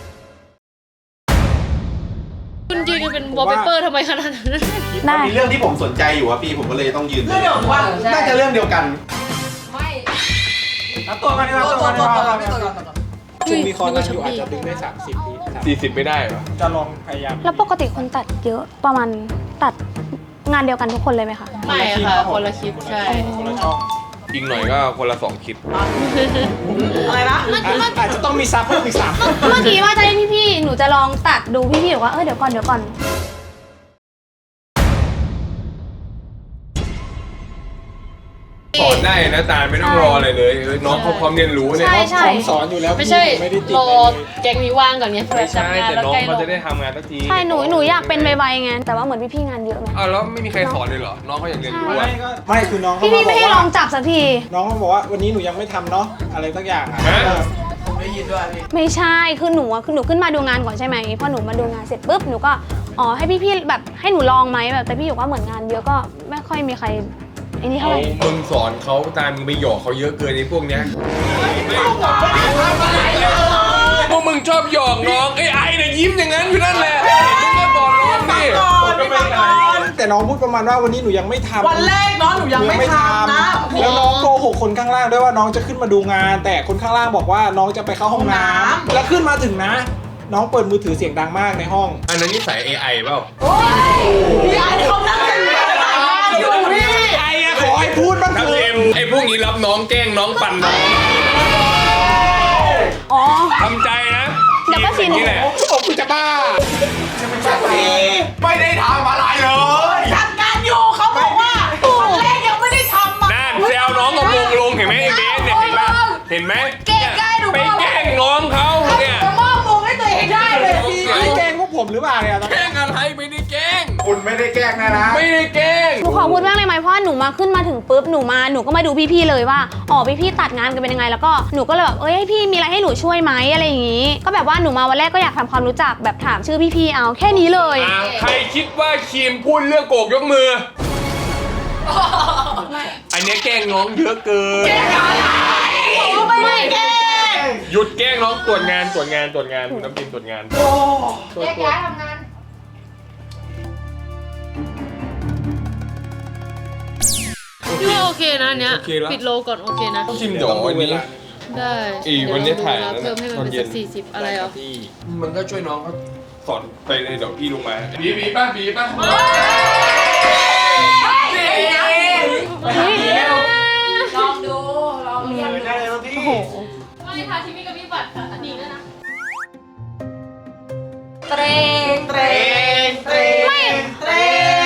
[SPEAKER 5] คุณยืนกันเป็นวอลเปเปอร์ทำไมขนาดนั้น
[SPEAKER 2] ได้
[SPEAKER 8] มีเรื่องที่ผมสนใจอยู่อะพี่ผมก็เลยต้องยืน
[SPEAKER 9] เรื่องเดียวกันว่า
[SPEAKER 8] น่าจะเรื่องเดียวกัน
[SPEAKER 4] ไม่
[SPEAKER 3] ตัวกัน
[SPEAKER 9] ตัวตัวตัวตัวพี่ตัวก่อนตัวก่อน
[SPEAKER 3] ช่วงมีคอนกันอยู่อาจจะดึงได้สามสิบปี
[SPEAKER 1] สี่สิบไม่ได้เหรอ
[SPEAKER 3] จะลองพยายาม
[SPEAKER 2] แล้วปกติคนตัดเยอะประมาณตัดงานเดียวกันทุกคนเลยไหมคะ
[SPEAKER 5] ไม่ค่ะคนละคลิปใช่
[SPEAKER 3] คนละช่อง
[SPEAKER 1] อีกหน่อยก็คนละสองคลิป
[SPEAKER 9] อะไรนะ
[SPEAKER 3] อาจจะต้องมีซับเพิ่มอีกสาม
[SPEAKER 2] เมื่อกี้ว่าจะให้พี่ๆหนูจะลองตัดดูพี่ๆบอกว่าเออเดี๋ยวก่อนเดี๋ยวก่อน
[SPEAKER 1] สอนได้นะตาลไม่ต้องรออะไรเลยเออน้องเขาพร้อมเรียนรู้เนี่ย
[SPEAKER 2] ใช่ใช่
[SPEAKER 3] ผมสอนอยู่แล้ว
[SPEAKER 5] ไม่ใช่
[SPEAKER 3] พี่ไม่ได้ติด
[SPEAKER 5] รอ
[SPEAKER 3] อะไรเลย
[SPEAKER 5] แก๊งนี้ว่างก่อนเนี่ยเผื่
[SPEAKER 1] ไม่
[SPEAKER 5] อ
[SPEAKER 1] ใช่
[SPEAKER 5] ทำงาน
[SPEAKER 1] แต่
[SPEAKER 5] แล้ว
[SPEAKER 1] น้อง
[SPEAKER 5] ใกล้ล
[SPEAKER 1] เขา
[SPEAKER 5] ง
[SPEAKER 1] จะได้ทำงานสักที
[SPEAKER 2] ใช่หนูหนูอยากเป็นไวๆไงแต่ว่าเหมือนพี่ๆงานเยอะไหม
[SPEAKER 1] อ้าวแล้วไม่มีใครสอนเลยเหรอ น้องเขาอยากเรียนรู้
[SPEAKER 3] ไม่
[SPEAKER 1] อะ
[SPEAKER 3] ก็ไม่คือน้องเขา
[SPEAKER 2] พี่
[SPEAKER 3] มา
[SPEAKER 2] พี่
[SPEAKER 3] บ
[SPEAKER 2] ไม่
[SPEAKER 3] อก
[SPEAKER 2] ให้ล
[SPEAKER 3] ว่า
[SPEAKER 2] องจับสักที
[SPEAKER 3] น้องเขาบอกว่าวันนี้หนูยังไม่ทำเนาะอะไรสักอย่างอ่ะ
[SPEAKER 1] ฮะ
[SPEAKER 9] ผมได้ยินด้วยพี่
[SPEAKER 2] ไม่ใช่คือหนูอะคือหนูขึ้นมาดูงานก่อนใช่ไหมพอหนูมาดูงานเสร็จปุ๊บหนูก็อ๋อให้พี่ๆแบบให้หนูลองไหมแบบแต่พี่อยู่ว่าเหมือนงานเยอะก็ไม่ค่อยมีใครไอ้นี่เท่า
[SPEAKER 1] เอา
[SPEAKER 2] ไหร่
[SPEAKER 1] มึงสอนเขาตามมึงไปหยอกเขาเยอะเกินไอ้พวกเนี้ยพวกมึงชอบหยอกน้องไอ้ไอ้เนี่ยยิ้มอย่างนั้นอยู่นั่นแหละมึงก็สอนน้องดิ
[SPEAKER 9] ก่อนพี่ฟังก่อน
[SPEAKER 3] แต่น้องพูดประมาณว่าวันนี้หนูยังไม่ทำ
[SPEAKER 9] วันแรกน้องหนูยังไม่ทำนะ
[SPEAKER 3] แล้วน้องโกหกคนข้างล่างด้วยว่าน้องจะขึ้นมาดูงาน แต่คนข้างล่างบอกว่าน้องจะไปเข้าห้องน้ำแล้วขึ้นมาถึงนะ น้องเปิดมือถือเสียงดังมากในห้อง
[SPEAKER 1] อันนั้นนิสัย เอ ไอ เปล่า
[SPEAKER 9] พี่ไอ้เขานั่งกันอยู่พี่
[SPEAKER 3] ไอ้อะขอให้พูดบ้างเถ
[SPEAKER 1] ทับ
[SPEAKER 3] อะ
[SPEAKER 1] เอ็มไอ้พวกนี้รับน้องแกล้งน้องปั่นน้อง
[SPEAKER 2] อ๋อ
[SPEAKER 1] ทำใจนะ
[SPEAKER 2] เดี๋ยวก็ชิน
[SPEAKER 1] นี่แหละ
[SPEAKER 3] โอ้กูจะบ้า
[SPEAKER 8] ไม่ได้ทำอะไรเลย
[SPEAKER 9] จัดการอยู่เขาบอกว่าวันแรกยังไม่ได้ทำอ่ะ
[SPEAKER 1] นั่นแซวน้องกับวงลงเห็นไหมไอ้เบสเนี่ยเห็นปะเห็นไหม
[SPEAKER 9] เก่งได้หนู
[SPEAKER 1] ไป
[SPEAKER 9] บอก
[SPEAKER 1] แกล้งน้องเขาเนี่ย
[SPEAKER 9] จะมอบมงให้ตัวเองได้เลยพี่
[SPEAKER 3] พี่แกล้งพวกผมหรือเปล่าเนี่ย
[SPEAKER 1] แกล้งอะไรไม่ได้แกล้ง
[SPEAKER 3] ผ
[SPEAKER 8] คุณไม่ได้แกล้งนะนะ
[SPEAKER 1] ไม่ได้แกล้ง
[SPEAKER 2] หนูขอพูดมากเลยไหมเพราะว่าหนูมาขึ้นมาถึงปุ๊บหนูมาหนูก็มาดูพี่ๆเลยว่าอ๋อพี่ๆตัดงานกันเป็นยังไงแล้วก็หนูก็เลยแบบเอ้ยพี่มีอะไรให้หนูช่วยไหมอะไรอย่างงี้ ก็แบบว่าหนูมาวันแรกก็อยากทำความรู้จักแบบถามชื่อพี่ๆเอาแค่นี้เลย
[SPEAKER 1] อ่าใครคิดว่าคิมพูดเรื่องโกกยกมือ อันนี้แกล้งน้องเยอะเกิน
[SPEAKER 2] ไม่แก
[SPEAKER 1] หยุดแกล้งน้องตรวจงานตรวจงานตรวจงานคุณน้ำพิมตรวจงาน
[SPEAKER 4] แยกย้ายทำงาน
[SPEAKER 5] พี่ว่าโอเคนะอันเนี้ย
[SPEAKER 1] โอเคแล้ว
[SPEAKER 5] ปิดโลก่อนโอเคนะ
[SPEAKER 1] คิมเดี๋ยววันนี้
[SPEAKER 5] ได้
[SPEAKER 1] อีกวันนี้ถ่าย
[SPEAKER 5] เดี๋วเรดูเวลเพิ่มให้มันเป็นสักสี่สิบอะไรอ่ะ
[SPEAKER 1] มันก็ช่วยน้องเขาสอนไปเลยเดี๋ยวพี่ลงมาบีบีป่ะบีป่ะ
[SPEAKER 4] ลองดู ลองเรียน
[SPEAKER 8] ไม่ได้เลยพี่
[SPEAKER 5] ไม่ทาชิมิกับพี่บัตรค่ะอันนี้ด้วยนะ
[SPEAKER 4] เตรง
[SPEAKER 8] เตรงเตรงเตรง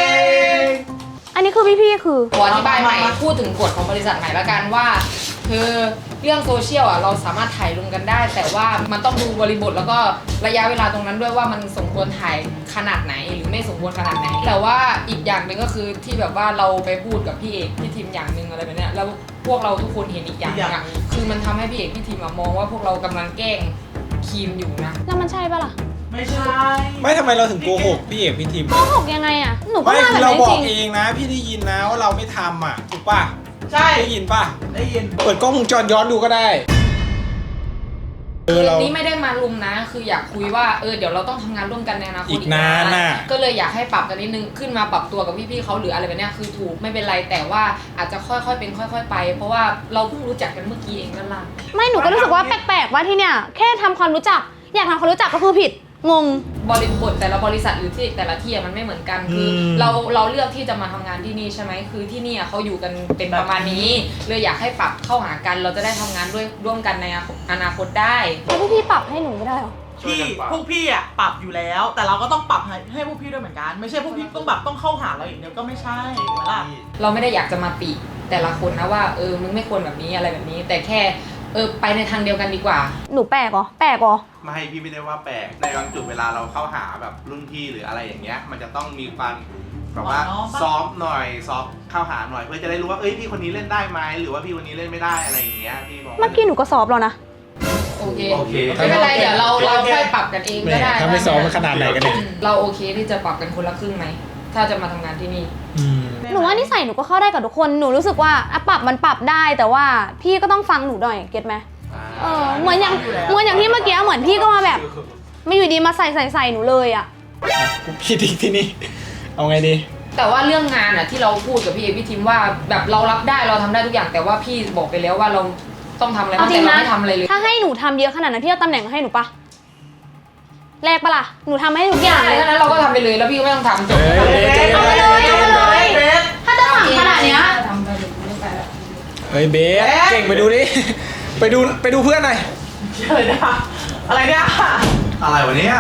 [SPEAKER 2] อันนี้คือพี่ๆคือ
[SPEAKER 4] ขออธิบายใหม่ พูดถึงกฎของบริษัทใหม่ละกันว่า คือเรื่องโซเชียลอ่ะเราสามารถถ่ายลงกันได้ แต่ว่ามันต้องดูบริบทแล้วก็ระยะเวลาตรงนั้นด้วยว่ามันสมควรถ่ายขนาดไหนหรือไม่สมควรขนาดไหน แต่ว่าอีกอย่างหนึ่งก็คือที่แบบว่าเราไปพูดกับพี่เอกพี่ทีมอย่างหนึ่งอะไรแบบเนี้ยแล้วพวกเราทุกคนเห็นอีกอย่างหนึงอ่ะคือมันทำให้พี่เอกพี่ทีมอะมองว่าพวกเรากำลังแกล้งคีมอยู่นะ
[SPEAKER 2] แล้วมันใช่ปะล่ะ
[SPEAKER 9] ไม่ใช่
[SPEAKER 3] ไม่ทำไมเราถึงโกหกพี่เอกพี่ทิม
[SPEAKER 2] โกหกยังไงอ่ะหนูก็
[SPEAKER 3] ไม่
[SPEAKER 2] มา
[SPEAKER 3] คื
[SPEAKER 2] แบ
[SPEAKER 3] อบ เรา
[SPEAKER 2] นี้
[SPEAKER 3] บอ
[SPEAKER 2] จ
[SPEAKER 3] ก
[SPEAKER 2] ริง
[SPEAKER 3] เองนะพี่ได้ยินนะว่าเราไม่ทำอ่ะถูกป่ะ
[SPEAKER 9] ใช่
[SPEAKER 3] ได้ยินป่ะ
[SPEAKER 9] ได้ยิน
[SPEAKER 3] เปิดกล้องวงจรย้อนดูก็ได้เออเรา
[SPEAKER 4] นี้ไม่ได้มาลุมนะ คืออยากคุยว่าเออเดี๋ยวเราต้องทำงานร่วมกันในอนาคต
[SPEAKER 3] อีกนานน่ะ
[SPEAKER 4] ก็เลยอยากให้ปรับกันนิดนึงขึ้นมาปรับตัวกับพี่ๆเขาหรืออะไรแบบเนี้ยคือถูกไม่เป็นไรแต่ว่าอาจจะค่อยๆเป็นค่อย ๆ ไป เพราะว่าเราเพิ่งรู้จักกันเมื่อกี้เองนั่นล่ะ
[SPEAKER 2] ไม่หนูก็รู้สึกว่าแปลกๆว่าที่เนี่ยแค่ทำความรู้จัก อยากทำความรู้จักก็คือผิดงง
[SPEAKER 4] บริบทแต่ละบริษัทหรือที่แต่ละที่อะมันไม่เหมือนกันคืออ
[SPEAKER 3] ม
[SPEAKER 4] เราเราเลือกที่จะมาทำงานที่นี่ใช่ไหมคือที่นี่อะเขาอยู่กันเป็นประมาณนี้เลยอยากให้ปรับเข้าหากัน เราจะได้ทำงานด้วยร่วมกันในอนาคตได้
[SPEAKER 2] แล้วพี่ๆปรับให้หนูไม่ได้หรอ
[SPEAKER 9] พี่พวกพี่อ่ะปรับอยู่แล้ว แต่เราก็ต้องปรับให้ให้พวกพี่ด้วยเหมือนกัน ไม่ใช่พวกพี่ต้องแบบต้องเข้าหาเราอย่างเดียวก็ไม่ใช่ถูกไหมล่ะ
[SPEAKER 4] เราไม่ได้อยากจะมาติแต่ละคนนะว่าเออมึงไม่ควรแบบนี้อะไรแบบนี้ แต่แค่เออไปในทางเดียวกันดีกว่า
[SPEAKER 2] หนูแปลกเหรอแปลกเหรอ
[SPEAKER 8] ไม่พี่ไม่ได้ว่าแปลกในบางจุดเวลาเราเข้าหาแบบรุ่นพี่หรืออะไรอย่างเงี้ย มันจะต้องมีการแบบว่า
[SPEAKER 9] อ่อนน้อมปะ
[SPEAKER 8] ซ้อมหน่อยซ้อมเข้าหาหน่อยเพื่อจะได้รู้ว่าเอ้ยพี่คนนี้เล่นได้ไหมหรือว่าพี่คนนี้เล่นไม่ได้อะไรอย่างเงี้ยพี่บอกว่า
[SPEAKER 2] เมื่อกี้หนูก็สอบแล้วนะ
[SPEAKER 4] โอเค
[SPEAKER 8] โอเค
[SPEAKER 4] ไม่เป็นไรเดี๋ยวเราเราค่อยปรับกันเอง
[SPEAKER 3] แหม
[SPEAKER 4] ก็ได้
[SPEAKER 3] ถ้าไม่ซ้อมมันขนาดไหนกันเนี่ย
[SPEAKER 4] อืมเราโอเคที่จะปรับกันคนละครึ่งไหมถ้าจะมาทำงานที่นี่
[SPEAKER 3] อืม
[SPEAKER 2] หนูว่านิสัยหนูก็เข้าได้กับทุกคนหนูรู้สึกว่าอ่ะปรับมันปรับได้แต่ว่าพี่ก็ต้องฟังหนูหน่อยเก็ตไหมเออเหมือนอย่างเหมือนอย่างที่เมื่อกี้เหมือนพี่ก็มาแบบไม่อยู่ดีมาใส่ใส่ใส่หนูเลยอ่ะ
[SPEAKER 3] กูผิดอีกที่นี่เอาไงดี
[SPEAKER 4] แต่ว่าเรื่องงานอ่ะที่เราพูดกับพี่เอพี่ทิมว่าแบบเรารับได้เราทำได้ทุกอย่างแต่ว่าพี่บอกไปแล้วว่าเราต้องทำอะไร
[SPEAKER 2] เอา
[SPEAKER 4] บ้าง
[SPEAKER 2] จริ
[SPEAKER 4] แต่
[SPEAKER 2] ง
[SPEAKER 4] เรา
[SPEAKER 2] นะ
[SPEAKER 4] ไม่ทำอะไรเลย
[SPEAKER 2] ถ้าให้หนูทำเยอะขนาดนั้นพี่เอาตำแหน่งมาให้หนูปะแลกปะล่ะหนูทำให้ทุกอย่างเลย
[SPEAKER 4] ถ้านั้นเราก็ทำไปเลยแล้วพี่ก็ไม่ต้องทำจบ
[SPEAKER 3] เอ้ย
[SPEAKER 2] เอาไปเลยเอาไปเลยถ้าจะสั่งขนาดเนี้ย
[SPEAKER 4] ทำไปเลยไม่ไปแล้ว
[SPEAKER 3] เฮ้ยเบสเก่งไปดูดิ ไปดูไปดูเพื่อนหน่อย
[SPEAKER 9] อะไรเนี่ยอะไรเนี่ย
[SPEAKER 8] อะไรวะเนี่ย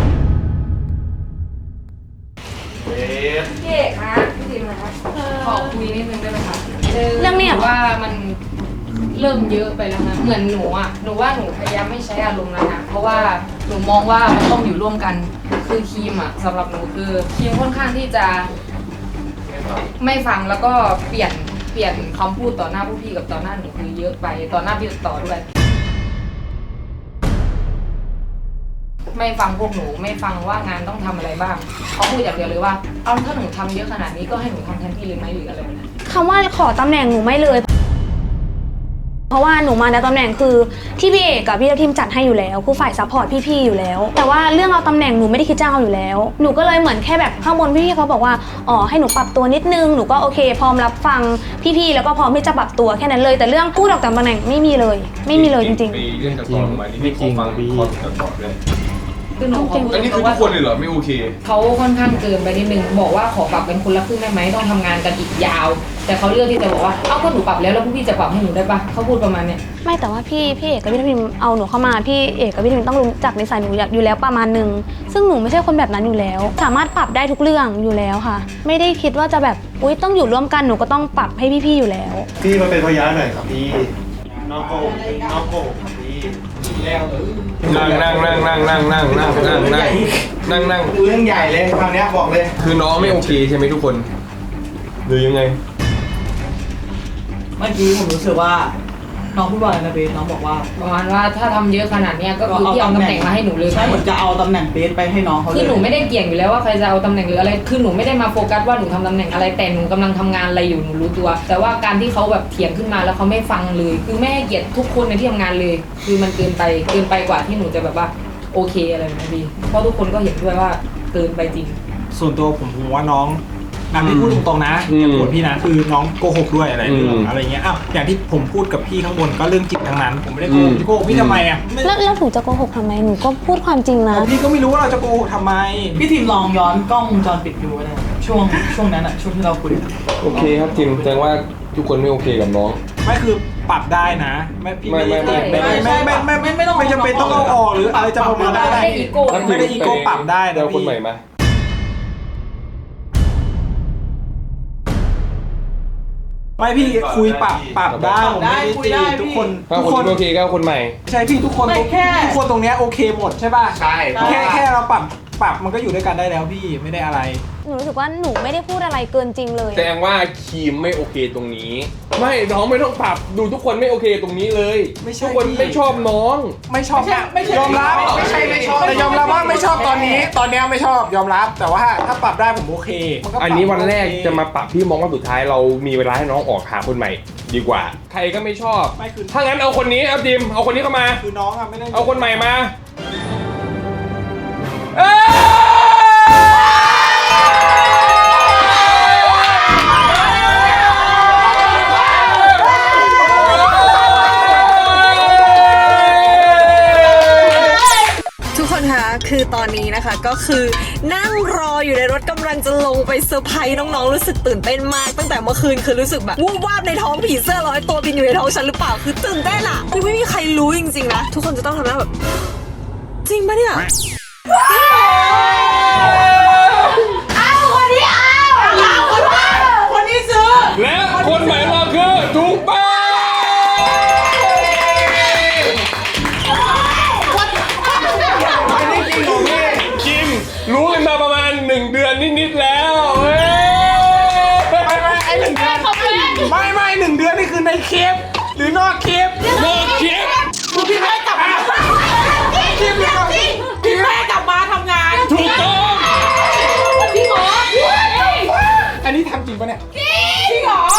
[SPEAKER 8] เบส
[SPEAKER 4] พี่เอกนะพี่ทิมนะขอคุยนิดนึงได้ไหมคะ
[SPEAKER 2] เรื่องเนี้ย
[SPEAKER 4] หว่ามันเริ่มเยอะไปแล้วนะเหมือนหนูอ่ะหนูว่าหนูพยายามไม่ใช้อารมณ์แล้วนะเพราะว่าหนูมองว่ามันต้องอยู่ร่วมกันคือทีมอ่ะสำหรับหนูคือทีมค่อนข้างที่จะไม่ฟังแล้วก็เปลี่ยนเปลี่ยนคำพูดต่อหน้าผู้พี่กับต่อหน้าหนูคือเยอะไปต่อหน้าพี่ต่อด้วย ไม่ฟังพวกหนูไม่ฟังว่างานต้องทำอะไรบ้างเขาพูดอย่างเดียวเลยว่าเอาถ้าหนูทำเยอะขนาดนี้ก็ให้หนูทำแทนพี่เลยไหมหรืออะไรแบบนั้น
[SPEAKER 2] คำว่าขอตำแหน่งหนูไม่เลย เพราะว่าหนูมาในตำแหน่งคือที่พี่เอกกับพี่ทัพทิมจัดให้อยู่แล้วคือฝ่ายซัพพอร์ตพี่ๆอยู่แล้ว แต่ว่าเรื่องเอาตำแหน่งหนูไม่ได้คิดจะเอาอยู่แล้วหนูก็เลยเหมือนแค่แบบข้างบนพี่ๆเขาบอกว่าอ๋อให้หนูปรับตัวนิดนึงหนูก็โอเคพร้อมรับฟังพี่ๆแล้วก็พร้อมที่จะปรับตัวแค่นั้นเลยแต่เรื่องพูดออกจากตำแหน่งไม่มีเลยไม่มีเลยจริง
[SPEAKER 1] มีเรื่องจากก่อนมานี่ไม่ขอฟังคอนจากก่อนเลย
[SPEAKER 4] คือหนูขอพูด
[SPEAKER 1] อันนี้คือทุกคนเลยเหรอไม่โอเค
[SPEAKER 4] เขาค่อนข้างเกินไปนิดนึงบอกว่าขอปรับเป็นคนละครึ่งได้ไหมต้องทำงานกันอีกยาว แต่เขาเลือกที่จะบอกว่าเอ้าก็หนูปรับแล้วแล้วพวกพี่จะปรับให้หนูได้ปะเขาพูดประมาณเนี้ย
[SPEAKER 2] ๆ ไม่แต่ว่าพี่พี่เอกกับพี่ทัพทิมเอาหนูเข้ามาพี่เอกกับพี่ทัพทิมต้องรู้จักนิสัยหนูอยู่แล้วประมาณนึงซึ่งหนูไม่ใช่คนแบบนั้นอยู่แล้ว สามารถปรับได้ทุกเรื่องอยู่แล้วค่ะ ไม่ได้คิดว่าจะแบบอุ๊ยต้องอยู่ร่วมกันหนูก็ต้องปรับให้พี่ๆอยู่แล้ว
[SPEAKER 6] พี่มาเป็นพยานหน่อยครับพี่น้องโกน้องโกครับพี่
[SPEAKER 3] แล้วเออ
[SPEAKER 1] นั่งนั่งนั่งนั่งนั่งนั่งนั่งนั่งนั่งนั่งนั่ง
[SPEAKER 8] เรื่องใหญ่เลยคราวเนี้ยบอกเลย
[SPEAKER 1] คือน้องไม่โอเคใช่ไหมทุกคนหรือยังไง
[SPEAKER 9] เมื่อกี้ผมรู้สึกว่าน้องพูดว่าอะไรนะเบสน้องบอกว่า
[SPEAKER 4] ประมาณว่าถ้าทำเยอะขนาดเนี้ยก็คือพี่เอาตำแหน่งมาให้หนูเลย
[SPEAKER 9] ใช่เหมือนจะเอาตำแหน่งเบสไปให้น้องเขาเลย
[SPEAKER 4] คือหนูไม่ได้เกี่ยงอยู่แล้วว่าใครจะเอาตำแหน่งหรืออะไรคือหนูไม่ได้มาโฟกัสว่าหนูทำตำแหน่งอะไรแต่หนูกำลังทำงานอะไรอยู่หนูรู้ตัว แต่ว่าการที่เขาแบบเถียงขึ้นมาแล้วเขาไม่ฟังเลย คือไม่ให้เกียรติทุกคนในที่ทำงานเลย คือมันเกินไปเกินไปกว่าที่หนูจะแบบว่าโอเคอะไรแบบนี้พี่เพราะทุกคนก็เห็นด้วยว่าเกินไปจริง
[SPEAKER 3] ส่วนตัวผมผมว่าน้องอันนี้พูดตรงๆนะ
[SPEAKER 1] อืม
[SPEAKER 3] อย่าโกรธพี่นะคือน้องโกหกด้วยอะไรเรื่อง
[SPEAKER 1] อืม
[SPEAKER 3] อะไรเงี้ยอ้าวอย่างที่ผมพูดกับพี่ข้างบนก็เรื่องจริงทั้งนั้น ผมไม่ได้โกหก
[SPEAKER 1] อืม
[SPEAKER 3] พี่โกหกพี่ทำไมอ่ะไม่
[SPEAKER 2] แล้วแล้วหนูจะโกหกทำไมหนูก็พูดความจริงนะ
[SPEAKER 3] พี่ก็ไม่รู้ว่าเราจะโกหกทำไม
[SPEAKER 9] พี่ทีมลองย้อนกล้องวงจรปิดดูก็ได้ช่วงช่วงนั้นอะช่วงที่เราคุย
[SPEAKER 1] โอเคครับทีมแสดงว่าทุกคนไม่โอเคกับน้อง
[SPEAKER 3] ไม่คือปรับได้นะไม่พี่ไม่ได้
[SPEAKER 1] ไม่
[SPEAKER 3] ไม่
[SPEAKER 1] ไม่
[SPEAKER 3] ไม่ไม่ไม่ไม่ไม่ต้องไม่จำเป็นต้องเอาออกหรืออะไรจะประมาณได้
[SPEAKER 4] ไม่ได้อีโก้
[SPEAKER 3] ไม่ได้อีโก้ปรับได้
[SPEAKER 1] เดี๋
[SPEAKER 3] นะ
[SPEAKER 1] ยวคน
[SPEAKER 3] พี่
[SPEAKER 1] ใหม่มา
[SPEAKER 3] ไม่พี่คุยปรับปรับได้ผมไม่ได้
[SPEAKER 9] คุย
[SPEAKER 3] ตี
[SPEAKER 9] ได้
[SPEAKER 3] ทุก
[SPEAKER 9] พี่
[SPEAKER 3] คน
[SPEAKER 1] ถ้า
[SPEAKER 3] ทุก
[SPEAKER 1] คน
[SPEAKER 3] คน
[SPEAKER 1] โอเคก็คนใหม่
[SPEAKER 3] ใช่พี่ทุกคน
[SPEAKER 9] ไม่แค่
[SPEAKER 3] ทุกคนตรงเนี้ยโอเคหมดใช่ป่ะ
[SPEAKER 8] ใช่
[SPEAKER 3] แค่แค่เราปรับปรับมันก็อยู่ด้วยกันได้แล้วพี่ไม่ได้อะไร
[SPEAKER 2] หนูรู้สึกว่าหนูไม่ได้พูดอะไรเกินจริงเลย
[SPEAKER 1] แสดงว่าครีมไม่โอเคตรงนี้ ไม่น้องไม่ต้องปรับดูทุกคนไม่โอเคตรงนี้เลย
[SPEAKER 3] ไม่ใช่
[SPEAKER 1] ทุกคน
[SPEAKER 3] พี่
[SPEAKER 1] ไม่ชอบน้อง
[SPEAKER 3] ไม่ชอบ
[SPEAKER 9] ไม่ใช่ไม่ใช่
[SPEAKER 3] ยอมรับ
[SPEAKER 8] ไม่ใช่ไม่ชอบ
[SPEAKER 3] แต่ยอมรับว่าไม่ชอบตอนนี้ ตอนเนี้ยไม่ชอบยอมรับ แต่ว่าถ้าปรับได้ผมโอเคมัก็ปรับ
[SPEAKER 1] อันนี้วันแรก
[SPEAKER 3] โอเค
[SPEAKER 1] จะมาปรับพี่มองว่าสุดท้ายเรามีเวลาให้น้องออกหาคนใหม่ ดีกว่า ใครก็ไม่ชอบ
[SPEAKER 3] ไม่คือ
[SPEAKER 1] ถ้างั้นเอาคนนี้เอาจิมเอาคนนี้เข้ามา
[SPEAKER 3] คือน้องอะไม่ได้
[SPEAKER 1] เอาคนใหม่มาเอ้
[SPEAKER 10] ทุกคนคะคือตอนนี้นะคะก็คือนั่งรออยู่ในรถกำลังจะลงไปเซอร์ไพรส์น้องๆรู้สึกตื่นเต้นมากตั้งแต่เมื่อคืนคือรู้สึกแบบวูบวาบในท้องผีเสื้อร้อยตัวบินอยู่ในท้องฉันหรือเปล่าคือตื่นเต้นอะคือไม่มีใครรู้จริงๆนะทุกคนจะต้องทำหน้าแบบจริงปะเนี่ยอ้าวคนนี้อ้าวอ้าวคนนี้คนนี้ซื้อ
[SPEAKER 1] และคนใหม่มาคือถูกป้าจิมรู้กันมาประมาณหนึ่งเดือนนิดๆแล้วเว้ย
[SPEAKER 3] ไม่ไม่ไอหนึ่งเดือนไม่ไม่หนึ่งเดือนนี่คือในคลิปหรือนอกคลิป
[SPEAKER 1] โลคลิป
[SPEAKER 9] คือพี่แม่กลับมาพี่แม่พี่แม่กลับมาทำงาน
[SPEAKER 1] ถูกต้อง
[SPEAKER 9] พี่หมอ
[SPEAKER 3] อันนี้ทำจริงปะเนี่ย
[SPEAKER 9] จริงเหรอ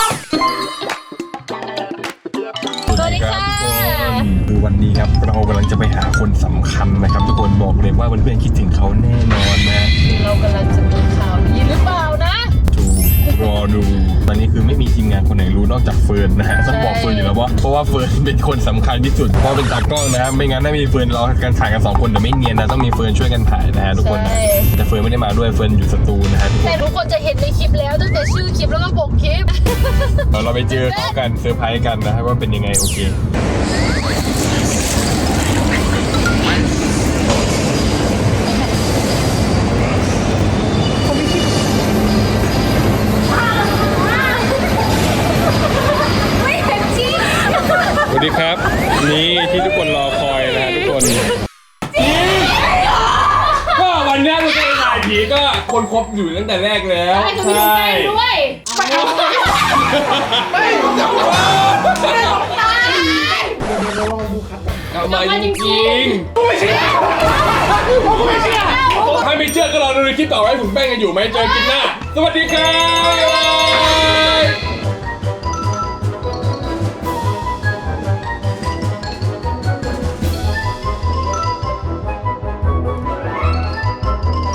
[SPEAKER 2] สวัสดีค่ะ
[SPEAKER 1] คือวันนี้ครับเรากำลังจะไปหาคนสำคัญนะครับทุกคนบอกเลยว่าเพื่อนๆคิดถึงเขาแน่นอนนะ
[SPEAKER 5] เรากำลังจะมีข่าวดีหรือเปล่านะ
[SPEAKER 1] ถูกรอดูตอนนี้คือไม่มีทีมงานคนไหนรู้นอกจากเฟิร์นนะฮะต้องบอกเฟิร์นอยู่แล้วว่าเพราะว่าเฟิร์นเป็นคนสำคัญที่สุดเพราะเป็นตากล้องนะฮะไม่งั้นถ้ามีเฟิร์นเรากันถ่ายกันสองคนแต่ไม่เนียนนะต้องมีเฟิร์นช่วยกันถ่ายนะฮะทุกคนนะแต่เฟิร์นไม่ได้มาด้วยเฟิร์นอยู่สตูนะฮะทุกคน
[SPEAKER 5] แต่ทุกคนจะเห็นในคลิปแล้วตั้งแต่ชื่อคลิปแล้วก็ปกคลิป
[SPEAKER 1] เดี๋ยวเราไปเจอเขากันเซอร์ไพรส์กันนะครับว่าเป็นยังไงโอเคสวัสดีครับนี่ที่ทุกคนรอคอยนะฮะทุกคนก็วันนี้เราจะถ่ายผีก็คนครบอยู่ตั้งแต่แรกแล้วใช่
[SPEAKER 5] ด้วย
[SPEAKER 1] เอามาจริงๆไม่เชื่อถ้าไม่เชื่อก็รอดูในคลิปต่อไปผมแป้งกันอยู่ไหมเจอคลิปหน้าสวัสดีครับ